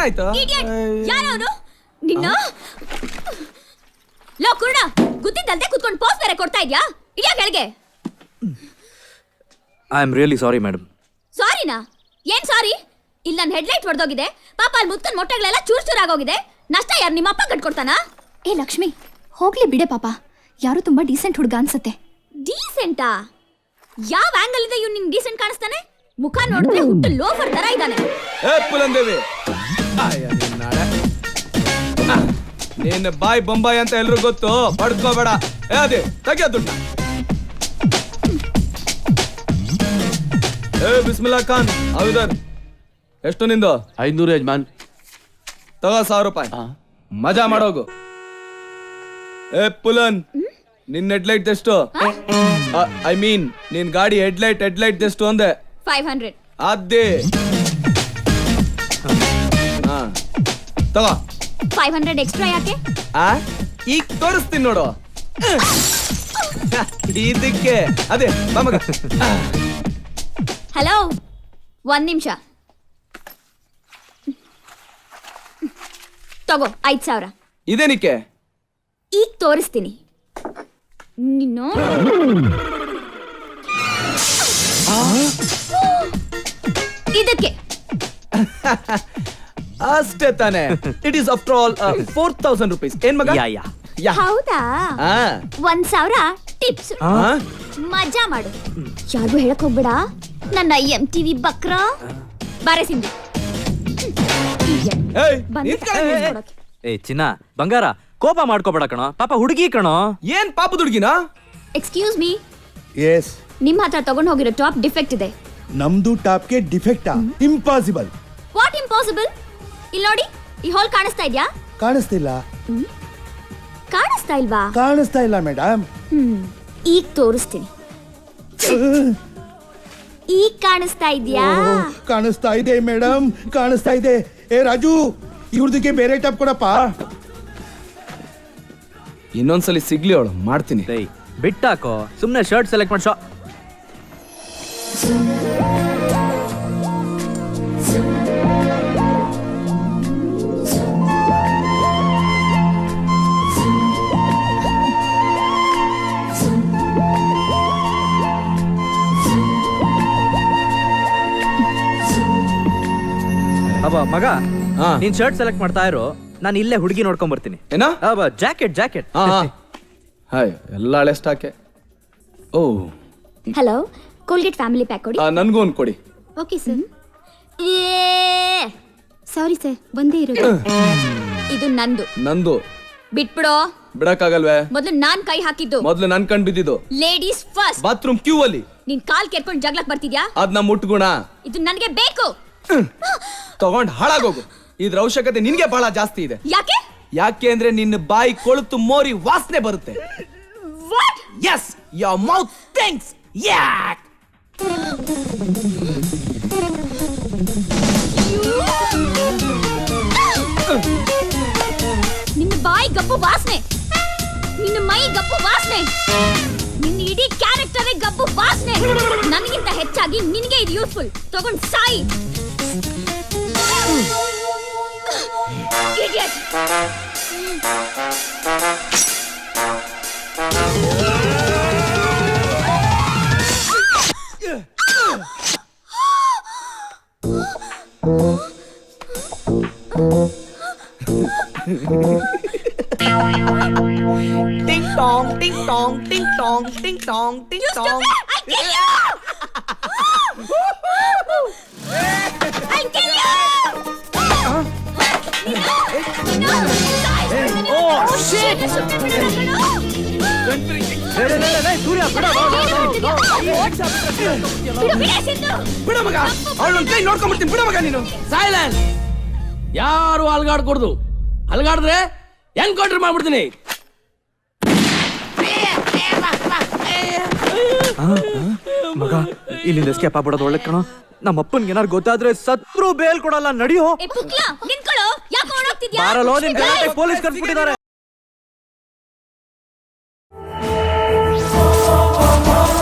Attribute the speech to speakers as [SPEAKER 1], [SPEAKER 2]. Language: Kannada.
[SPEAKER 1] ಏನಾಯ್ತು?
[SPEAKER 2] ಯಾರವನು ನಿನ್ನ ಲೋ ಕುರುಡ, ಗುದ್ದಿದ್ದಲ್ದೆ ಕುತ್ಕೊಂಡು ಪೋಸ್ ಬೇರೆ ಕೊಡ್ತಾ ಇದ್ಯಾ? ಇದ್ಯಾ ಕೆಳಗೆ?
[SPEAKER 3] I am really sorry madam.
[SPEAKER 2] ಸಾರಿನಾ? ಏನ್ ಸಾರಿ? ಇಲ್ಲಿ ನನ್ನ ಹೆಡ್ಲೈಟ್ ಹೊಡೆದೋಗಿದೆ, ಪಾಪ ಅಲ್ಲಿ ಮುತ್ಕನ್ ಮೊಟ್ಟೆಗಳೆಲ್ಲ ಚೂರ್ ಚೂರಾಗೋಗಿದೆ. ನಷ್ಟ ಯಾರು ನಿಮ್ಮ ಅಪ್ಪ ಕಟ್ಕೊಡ್ತಾನಾ?
[SPEAKER 4] ಏ ಲಕ್ಷ್ಮಿ, ಹೋಗ್ಲಿ ಬಿಡೆ ಪಾಪ, ಯಾರು ತುಂಬಾ ಡೀಸೆಂಟ್ ಹುಡುಗ ಅನ್ಸತ್ತೆ.
[SPEAKER 2] ಡೀಸೆಂಟಾ? ಯಾವ ಆಂಗಲ್ ಇದೆ ಇವ್ನು ನಿನ್ ಡೀಸೆಂಟ್ ಕಾಣಿಸ್ತಾನೆ? ಮುಖ ನೋಡಿದ್ರೆ ಹುಟ್ಟು ಲೋಫರ್ ತರ ಇದ್ದಾನೆ.
[SPEAKER 1] ಏ ಪುಲಂದೇವಿ, ನೀನ್ ಬಾಯ್ ಬೊಂಬಾಯಿ ಅಂತ ಎಲ್ರು ಗೊತ್ತು, ಪಡ್ಕೋಬೇಡ. ಏ ಅದೇ ತೆಗಿಯ ದುಡ್ಡ. ಏ ಬಿಸ್ಮಿಲ್ಲಾ ಖಾನ್ ಹೌದರ್, ಎಷ್ಟು ನಿಂದು?
[SPEAKER 5] 500 ಯಜಮಾನ್.
[SPEAKER 1] ತಗೋ 1000 ರೂಪಾಯಿ, ಮಜಾ ಮಾಡೋಗು. ಏ ಪುಲನ್, ನಿನ್ ಹೆಡ್ಲೈಟ್ ಎಷ್ಟು? ಐ ಮೀನ್ ನಿನ್ ಗಾಡಿ ಹೆಡ್ಲೈಟ್ ಎಷ್ಟು ಅಂದೆ?
[SPEAKER 2] 500.
[SPEAKER 1] ಅದೇ ತಗೋ.
[SPEAKER 2] 500 ಎಕ್ಸ್ಟ್ರಾ ಯಾಕೆ?
[SPEAKER 1] ಈಗ ತೋರಿಸ್ತೀನಿ ನೋಡು. ಇದಕ್ಕೆ ಅದೇ ಮಗ.
[SPEAKER 2] ಹಲೋ, 1 ನಿಮಿಷ ತಗೋ. 5000.
[SPEAKER 1] ಇದೇನಿಕ್ಕೆ?
[SPEAKER 2] ಈಗ ತೋರಿಸ್ತೀನಿ ನಿನ್ನ. ಇದಕ್ಕೆ
[SPEAKER 1] ಅಷ್ಟೇ ತಾನೆ. It is after all 4000 rupees. ಏನ್ ಮಗ?
[SPEAKER 2] ಹೌದಾ? 1000 ಟಿಪ್ಸ್. ಮಜಾ ಮಾಡು. ಯಾರಿಗೂ ಹೇಳಕ್ ಹೋಗ್ಬೇಡ. ನನ್ನ MTV ಬಕ್ರ ಬಾರೆ ಸಿಂಧು.
[SPEAKER 3] ಏ ಚಿನ್ನ ಬಂಗಾರ, ಕೋಪ ಮಾಡ್ಕೋಬೇಡ ಕಣೋ, ಪಾಪ ಹುಡುಗಿ ಕಣೋ.
[SPEAKER 1] ಏನ್ ಪಾಪದ ಹುಡುಗಿನಾ?
[SPEAKER 2] Excuse me.
[SPEAKER 6] ಎಸ್.
[SPEAKER 2] ನಿಮ್ ಹತ್ರ ತಗೊಂಡ್ ಹೋಗಿರೋ ಟಾಪ್ ಡಿಫೆಕ್ಟ್ ಇದೆ.
[SPEAKER 6] ನಮ್ದು ಟಾಪ್ಗೆ ಡಿಫೆಕ್ಟಾ? ಇಂಪಾಸಿಬಲ್.
[SPEAKER 2] What impossible? ಇಲ್ಲಿ ನೋಡಿ, ಈ ಹೋಲ್ ಕಾಣಿಸ್ತಾ ಇದ್ಯಾ?
[SPEAKER 6] ಕಾಣಿಸ್ತಿಲ್ಲ.
[SPEAKER 2] ಕಾಣಿಸ್ತಾ ಇಲ್ವಾ?
[SPEAKER 6] ಕಾಣಿಸ್ತಾ ಇಲ್ಲ ಮೇಡಮ್.
[SPEAKER 2] ಈಗ ತೋರಿಸ್ತೀನಿ. ಈಗ ಕಾಣಿಸ್ತಾ ಇದ್ಯಾ?
[SPEAKER 6] ಕಾಣಿಸ್ತಾ ಇದೆ ಮೇಡಮ್, ಕಾಣಿಸ್ತಾ ಇದೆ. ಏ ರಾಜು, ಇವ್ರದಕ್ಕೆ ಬೇರೆ ಟಾಪ್ ಕೊಡಪ್ಪ.
[SPEAKER 1] ಇನ್ನೊಂದ್ಸಲಿ ಸಿಗ್ಲಿ ಅವಳು, ಮಾಡ್ತೀನಿ.
[SPEAKER 3] ಬಿಟ್ಟಾಕೋ, ಸುಮ್ನೆ ಶರ್ಟ್ ಸೆಲೆಕ್ಟ್ ಮಾಡ್ಸೋ. ಅಬ್ಬ ಮಗ, ನೀನ್ ಶರ್ಟ್ ಸೆಲೆಕ್ಟ್ ಮಾಡ್ತಾ ಇರೋ, ನಾನು ಇಲ್ಲೇ ಹುಡುಗಿ ನೋಡ್ಕೊಂಡ್ ಬರ್ತೀನಿ.
[SPEAKER 1] ಏನ?
[SPEAKER 3] ಜಾಕೆಟ್.
[SPEAKER 1] ಹಾಯ್, ಎಲ್ಲ ಹಳೆ ಸ್ಟಾಕೆ. Oh
[SPEAKER 2] hello, Colgate family pack ಕೊಡಿ.
[SPEAKER 1] ನನ್ಗೂ ಒಂದು ಕೊಡಿ.
[SPEAKER 2] Okay sir. ಸಾರಿ ಸರ್, ಬಂದೇ ಇರೋದು. ಇದು ನಂದು. ಬಿಟ್ಬಿಡೋ.
[SPEAKER 1] ಬಿಡಕ್ಕಾಗಲ್ವೇ?
[SPEAKER 2] ಮೊದಲು ನಾನ್ ಕೈ ಹಾಕಿದ್ದು.
[SPEAKER 1] ಮೊದ್ಲು ನನ್ ಕಣ್ ಬಿದ್ದಿದ್ದು.
[SPEAKER 2] Ladies first.
[SPEAKER 1] ಬಾತ್ರೂಮ್ ಕ್ಯೂ ಅಲ್ಲಿ
[SPEAKER 2] ನಿನ್ ಕಾಲ್ ಕೆರ್ಕೊಂಡು ಜಗ್ಲಕ್ ಬರ್ತಿದ್ಯಾ?
[SPEAKER 1] ಅದ್ ನಮ್ಮ ಮುಟ್ಗುಣ.
[SPEAKER 2] ಇದು ನನಗೆ ಬೇಕು.
[SPEAKER 1] ತಗೊಂಡ್ ಹಾಳಾಗೋಗು. ಇದ್ರ ಅವಶ್ಯಕತೆ ನಿನ್ಗೆ ಬಹಳ ಜಾಸ್ತಿ ಇದೆ.
[SPEAKER 2] ಯಾಕೆ
[SPEAKER 1] ಅಂದ್ರೆ ನಿನ್ನ ಬಾಯಿ ಕೊಳುತು ಮೋರಿ ವಾಸನೆ ಬರುತ್ತೆ.
[SPEAKER 2] What?
[SPEAKER 1] Yes, your mouth stinks. Yak.
[SPEAKER 2] ನಿನ್ನ ಬಾಯಿ ಗಬ್ಬು ವಾಸನೆ, ನಿನ್ನ ಮೈ ಗಬ್ಬು ವಾಸನೆ, ನಿನ್ನ ಇಡೀ ಕ್ಯಾರೆಕ್ಟರೇ ಗಬ್ಬು ವಾಸನೆ. ನನಗಿಂತ ಹೆಚ್ಚಾಗಿ ನಿನಗೆ ಇದು ಯೂಸ್ಫುಲ್. ತಗೊಂಡ್ Sai. Idiot.
[SPEAKER 1] Ding dong, ding dong, ding dong, ding dong, ding dong.
[SPEAKER 2] I kill you. I'll kill you.
[SPEAKER 3] Oh shit! ಸೂರ್ಯ
[SPEAKER 1] ಬಿಡ ಮಗ, ಅವಳನ್ನ ಕೈ ನೋಡ್ಕೊಂಡ್ಬಿಡ್ತೀನಿ. ಬಿಡ ಮಗ ನೀನು.
[SPEAKER 5] ಸೈಲೆನ್ಸ್. ಯಾರು ಅಲ್ಗಾಡ್ಕೊಡ್ದು. ಅಲ್ಗಾಡಿದ್ರೆ ಎನ್ಕೌಂಟರ್ ಮಾಡ್ಬಿಡ್ತೀನಿ.
[SPEAKER 3] ಮಗ, ಇಲ್ಲಿಂದ ಎಸ್ಕೇಪ್ ಆಗ್ಬಿಡೋದು ಒಳ್ಳೆ ಕಣೋ. ನಮ್ಮ ಅಪ್ಪನ್ಗೆ ಏನಾರು ಗೊತ್ತಾದ್ರೆ ಸತ್ರು ಬೇಲ್ ಕೊಡಲ್ಲ. ನಡಿಯೋ. ಬಾರಲೋ, ನಿನ್ ಗಲಾಟೆ ಪೊಲೀಸ್ ಕರ್ಸ್ಬಿಟ್ಟಿದ್ದಾರೆ.